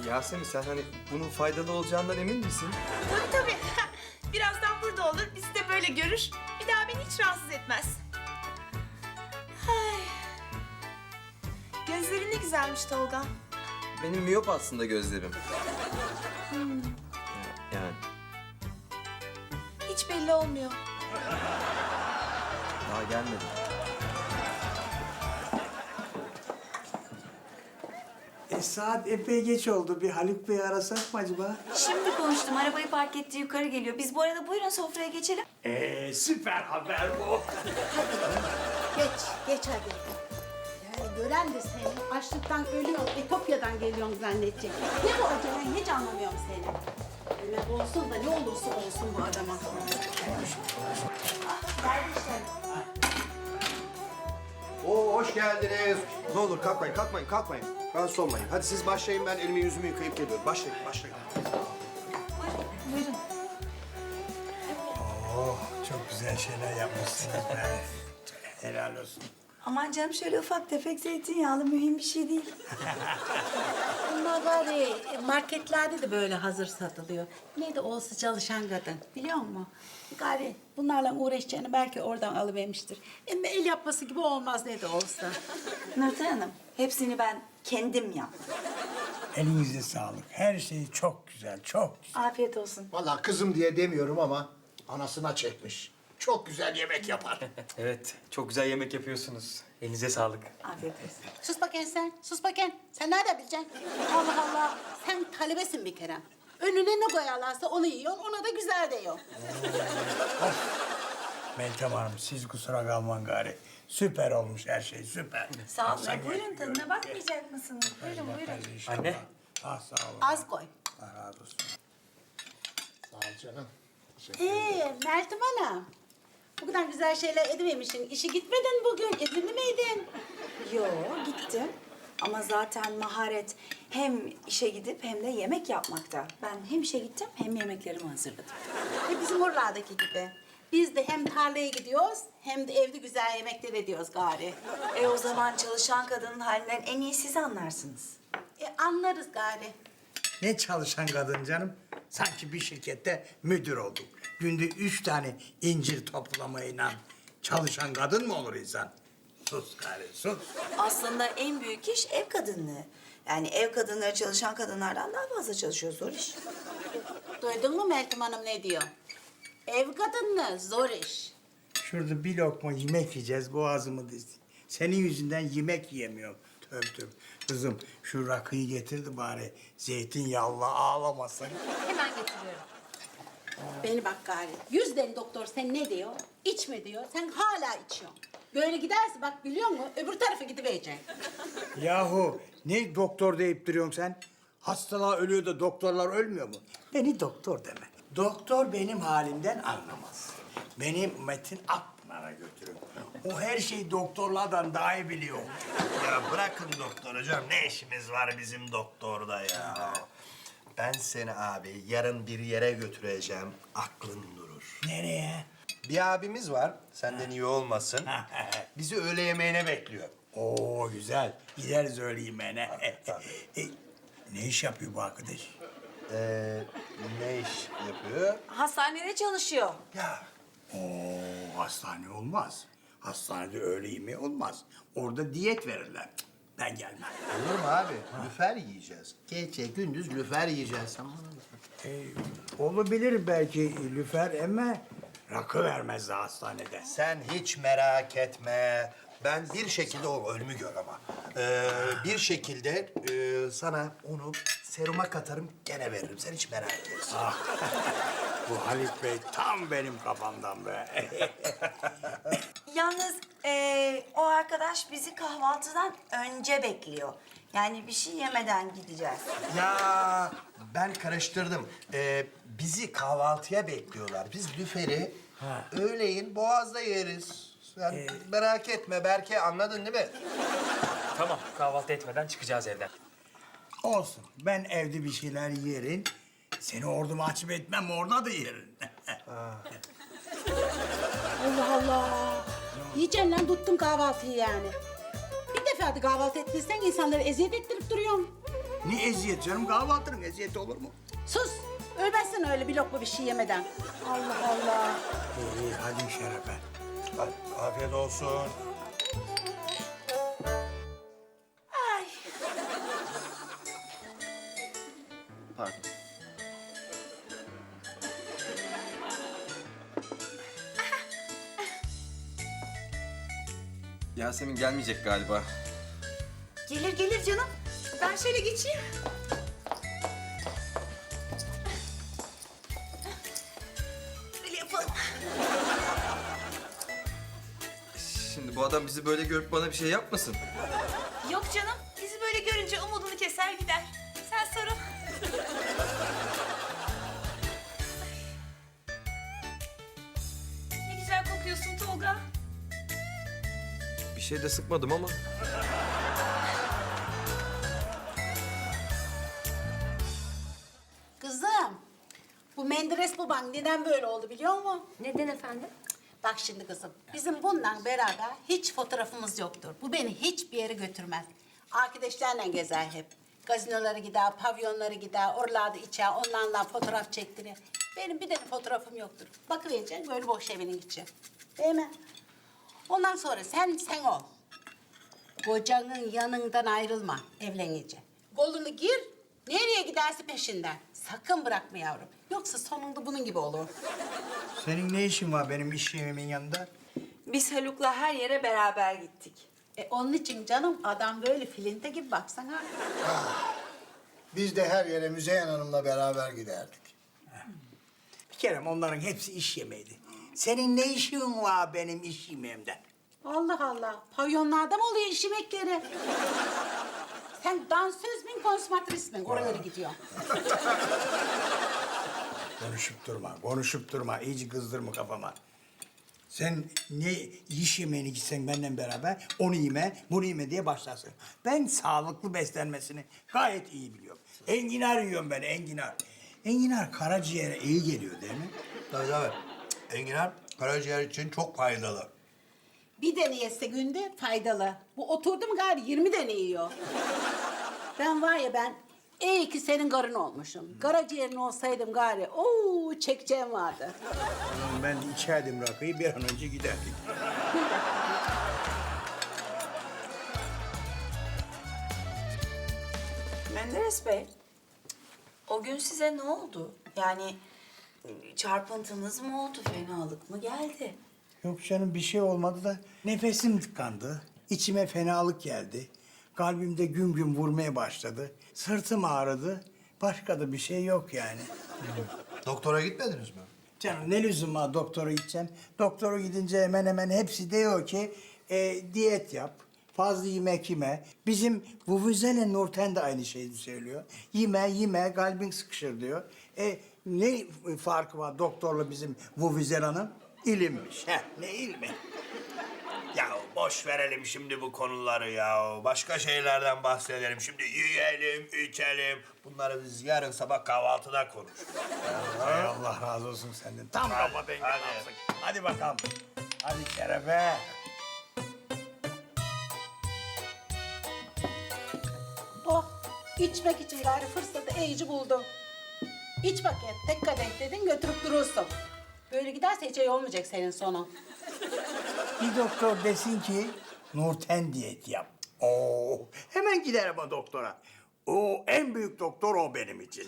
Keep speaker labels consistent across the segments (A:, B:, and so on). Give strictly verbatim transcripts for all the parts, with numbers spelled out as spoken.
A: Yasemin sen hani bunun faydalı olacağından emin misin?
B: Tabii tabii. Birazdan burada olur. Bizi de böyle görür. Bir daha beni hiç rahatsız etmez. Ay. Gözlerin ne güzelmiş Tolga.
A: Benim miyop aslında gözlerim. Yani
B: Hiç belli olmuyor.
A: daha gelmedi.
C: E, saat epey geç oldu. Bir Haluk Bey'i arasak mı acaba?
D: Şimdi konuştum. Arabayı park etti, yukarı geliyor. Biz bu arada buyurun sofraya geçelim.
C: Ee, süper haber bu.
E: Geç, geç hadi. Yani gören de seni açlıktan ölüyor, Etopya'dan geliyorsun zannedecek. Ne bu acelen hiç anlamıyorum seni. Öyle olsun da ne olursa olsun bu adama.
F: Oo, hoş geldiniz. Ne olur kalkmayın, kalkmayın, kalkmayın. Rahatsız olmayın. Hadi siz başlayın, ben elimi yüzümü yıkayıp geliyorum. Başlayın, başlayın.
D: Buyurun.
C: Oh, çok güzel şeyler yapmışsınız be. Helal olsun.
D: Aman canım şöyle ufak tefek zeytinyağlı mühim bir şey değil.
E: Bunlar gari marketlerde de böyle hazır satılıyor. Ne de olsa çalışan kadın, biliyor musun? Gari bunlarla uğraşacağını belki oradan alıvermiştir. Ama el yapması gibi olmaz ne de olsa.
D: Nurten Hanım, hepsini ben kendim yaptım.
C: Elinize sağlık. Her şey çok güzel, çok güzel.
D: Afiyet olsun.
F: Vallahi kızım diye demiyorum ama anasına çekmiş. Çok güzel yemek yapar.
A: Evet, çok güzel yemek yapıyorsunuz. Elinize sağlık.
D: Afiyet olsun.
E: Sus bakayım sen, sus bakayım. Sen nerede bileceksin? Allah Allah, sen talebesin bir kere. Önüne ne koyarlarsa onu yiyorsun, ona da güzel diyor.
C: Meltem Hanım, siz kusura kalmayın gari. Süper olmuş her şey, süper.
D: Sağ olun.
C: Sen
D: Buyurun
C: gel,
D: tadına
C: gör,
D: bakmayacak mısınız? Buyurun buyurun.
C: gel. İnşallah.
A: Anne.
C: Ah, sağ olun.
E: Az koy.
C: Allah razı olsun.
F: Sağ ol canım.
E: Ee, Meltem Hanım. Bu kadar güzel şeyler edivermişsin. İşe gitmedin bugün, izinli miydin?
D: Yo gittim. Ama zaten maharet hem işe gidip hem de yemek yapmakta. Ben hem işe gittim hem yemeklerimi hazırladım.
E: E bizim oralardaki gibi. Biz de hem tarlaya gidiyoruz hem de evde güzel yemekler ediyoruz gari.
D: E o zaman çalışan kadının halinden en iyi siz anlarsınız.
E: E anlarız gari.
C: Ne çalışan kadın canım? Sanki bir şirkette müdür oldum. Günde üç tane incir toplamayla çalışan kadın mı olur insan? Sus gari, sus.
D: Aslında en büyük iş ev kadınlığı. Yani ev kadınları çalışan kadınlardan daha fazla çalışıyor, zor iş.
E: Duydun mu Meltem Hanım ne diyor? Ev kadını zor iş.
C: Şurada bir lokma yemek yiyeceğiz, boğazımı dizdi. Senin yüzünden yemek yiyemiyorum. Tövbe tövbe. Kızım şu rakıyı getirdi bari. Zeytinyağlı ağlamasın.
E: Hemen getiriyorum. Beni bak gari. Yüz deli doktor sen ne diyor? İçme diyor. Sen hala içiyorsun. Böyle giderse bak biliyor musun? Öbür tarafa gidivereceksin.
C: Yahu ne doktor deyip duruyorsun sen? Hastalar ölüyor da doktorlar ölmüyor mu? Beni doktor deme. Doktor benim halimden anlamaz. Beni Metin Akpınar'a götürün. O her şeyi doktorlardan daha iyi biliyor.
G: Ya bırakın doktor hocam. Ne işimiz var bizim doktorda ya? Ben seni abi yarın bir yere götüreceğim. Aklın durur.
C: Nereye?
G: Bir abimiz var. Senden iyi olmasın. Bizi öğle yemeğine bekliyor.
C: Oo güzel. Gideriz öyle yemeğine.
G: tabii.
C: E, ne iş yapıyor bu arkadaş?
G: Ee, ne iş yapıyor?
D: Hastanede çalışıyor.
G: Ya
C: Oo hastane olmaz. Hastanede öğle yemeği olmaz. Orada diyet verirler. Cık, ben gelmem.
G: olur mu abi? Lüfer yiyeceğiz. Gece gündüz lüfer yiyeceğiz. Sen bana bak.
C: E, olabilir belki lüfer ama rakı vermezdi hastanede.
G: Sen hiç merak etme. Ben bir şekilde o ölümü gör ama. Ee, bir şekilde e, sana onu seruma katarım gene veririm. Sen hiç merak etme.
C: Bu Halit Bey tam benim kafamdan be.
D: Yalnız eee, o arkadaş bizi kahvaltıdan önce bekliyor. Yani bir şey yemeden gideceğiz.
G: Ya ben karıştırdım. Ee, bizi kahvaltıya bekliyorlar. Biz lüferi öğleyin Boğaz'da yeriz. Sen merak etme Berke, anladın değil mi?
H: Tamam, kahvaltı etmeden çıkacağız evden.
C: Olsun. Ben evde bir şeyler yerim. Seni orada mahcup etmem, orada da yerim.
E: Allah Allah. Yiyeceksin lan tuttun kahvaltıyı yani. Bir defa da kahvaltı ettiysen insanları eziyet ettirip duruyorsun.
C: Ne eziyet canım? Kahvaltının eziyeti olur mu?
E: Sus! Ölmezsin öyle bir lokma bir şey yemeden. Allah Allah.
C: İyi, iyi hadi Şerefe.
G: Hadi, afiyet olsun.
F: Pardon.
A: Yasemin gelmeyecek galiba.
B: Gelir gelir canım. Ben şöyle geçeyim. Böyle yapalım.
A: Şimdi bu adam bizi böyle görüp bana bir şey yapmasın.
B: Yok canım. Bizi böyle görünce umudunu keser gider. Sen sarıl. Ne güzel kokuyorsun Tolga.
A: Bir şey de sıkmadım ama.
E: Kızım, bu Menderes baban neden böyle oldu biliyor musun?
I: Neden efendim?
E: Bak şimdi kızım, bizim bununla beraber hiç fotoğrafımız yoktur. Bu beni hiçbir yere götürmez. Arkadaşlarla gezer hep. Gazinolara gider, pavyonlara gider, oralarda içer, onlarla fotoğraf çektirir. Benim bir tane fotoğrafım yoktur. Bakıvereceksin böyle boş evinin içi. Değil mi? Ondan sonra sen sen ol. Kocanın yanından ayrılma evlenince. Kolunu gir, nereye giderse peşinden. Sakın bırakma yavrum. Yoksa sonunda bunun gibi olur.
C: Senin ne işin var benim iş yerimin yanında?
D: Biz Haluk'la her yere beraber gittik.
E: E onun için canım adam böyle filinte gibi baksana.
J: Biz de her yere Müzeyyen Hanım'la beraber giderdik.
C: Bir kere onların hepsi iş yemeğiydi. Senin ne işin var benim iş yemeğimden?
E: Allah Allah. Pavyonlarda mı oluyor iş yemekleri? Sen dansöz müyün, konsumatris misin? Oralara gidiyor.
C: Konuşup durma, konuşup durma. İyice kızdırma kafama. Sen ne iş yemeğine gitsen benimle beraber onu yeme, bunu yeme diye başlarsın. Ben sağlıklı beslenmesini gayet iyi biliyorum. Enginar yiyorum ben, enginar. Enginar karaciğere iyi geliyor değil mi?
G: Tabii tabii. Enginar karaciğer için çok faydalı.
E: Bir tane yese günde faydalı. Bu oturdu mu gari yirmi tane yiyor. Ben var ya ben iyi ki senin karın olmuşum. Karaciğerin olsaydım gari ooo çekeceğim vardı.
C: Oğlum ben de içerdim rakıyı bir an önce giderdik.
D: Menderes Bey, o gün size ne oldu? Yani çarpıntınız mı oldu, fenalık mı geldi?
C: Yok canım bir şey olmadı da nefesim tıkandı. İçime fenalık geldi. Kalbimde güm güm vurmaya başladı. Sırtım ağrıdı. Başka da bir şey yok yani.
G: Doktora gitmediniz mi?
C: Canım ne lüzum var doktora gideceğim. Doktora gidince hemen hemen hepsi diyor ki e, diyet yap. Fazla yemek yeme. Bizim Vuvuzela Nurten de aynı şeyi söylüyor. Yeme yeme kalbin sıkışır diyor. E, ne farkı var doktorla bizim Vuvuzela'nın? İlimmiş. Heh, ne ilmi?
G: Ya boş verelim şimdi bu konuları ya. Başka şeylerden bahsedelim. Şimdi yiyelim, içelim. Bunları biz yarın sabah kahvaltıda konuşuruz.
C: Hay Allah razı olsun senden. Tam kafa dengi
G: hadi.
C: adamsın. Hadi bakalım. Hadi Şerefe.
E: Oh içmek için gari fırsatı iyice buldum. İç bakayım tek kadeh dedin götürüp durursun. Böyle giderse hiç iyi olmayacak senin sonun.
C: Bir doktor desin ki Nurten diyet yap. Oo, hemen giderim o doktora. O en büyük doktor o benim için.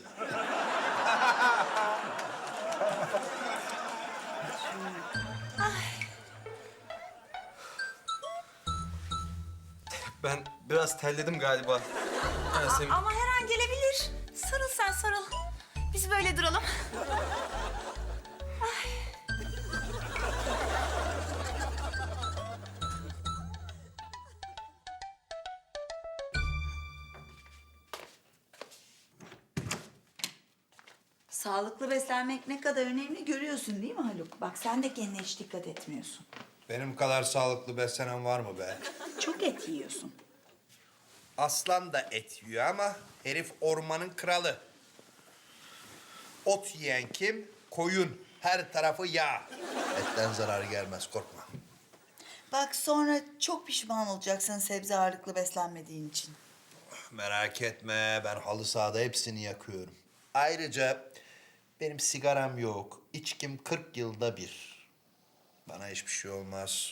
A: Ben biraz terledim galiba. Yasemin.
B: Ama her an gelebilir. Sarıl sen sarıl. Biz böyle duralım.
D: Sağlıklı beslenmek ne kadar önemli görüyorsun değil mi Haluk? Bak sen de kendine hiç dikkat etmiyorsun.
G: Benim kadar sağlıklı beslenen var mı be?
D: Çok et yiyorsun.
G: Aslan da et yiyor ama herif ormanın kralı. Ot yiyen kim? Koyun. Her tarafı yağ. Etten zarar gelmez korkma.
K: Bak sonra çok pişman olacaksın sebze ağırlıklı beslenmediğin için.
G: Merak etme, ben halı sahada hepsini yakıyorum. Ayrıca benim sigaram yok. İçkim kırk yılda bir. Bana hiçbir şey olmaz.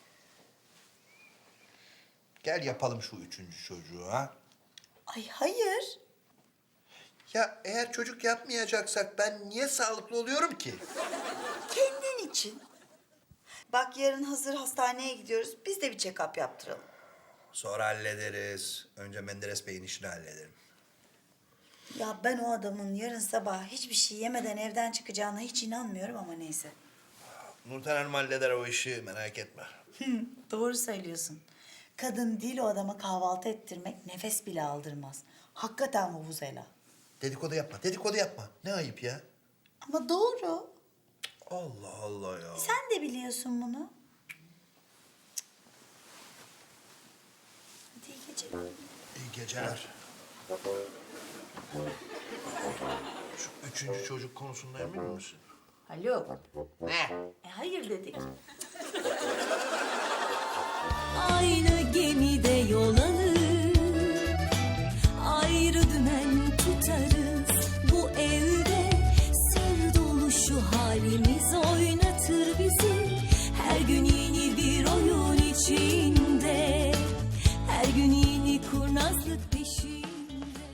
G: Gel yapalım şu üçüncü çocuğu ha.
D: Ay hayır.
G: Ya eğer çocuk yapmayacaksak ben niye sağlıklı oluyorum ki?
D: Kendin için. Bak yarın hazır hastaneye gidiyoruz. Biz de bir check-up yaptıralım.
G: Sonra hallederiz. Önce Menderes Bey'in işini hallederim.
D: Ya ben o adamın yarın sabah hiçbir şey yemeden evden çıkacağına hiç inanmıyorum ama neyse.
G: Nurten Hanım halleder o işi, merak etme.
D: Doğru söylüyorsun. Kadın değil o adama kahvaltı ettirmek nefes bile aldırmaz. Hakikaten vuvuzela.
G: Dedikodu yapma, dedikodu yapma. Ne ayıp ya.
D: Ama doğru.
G: Allah Allah ya.
D: Sen de biliyorsun bunu. Hadi iyi geceler.
G: İyi geceler. Şu üçüncü çocuk konusunda emin misin?
D: Haluk.
G: Ne?
D: E hayır dedik.
I: Aynı gemide yol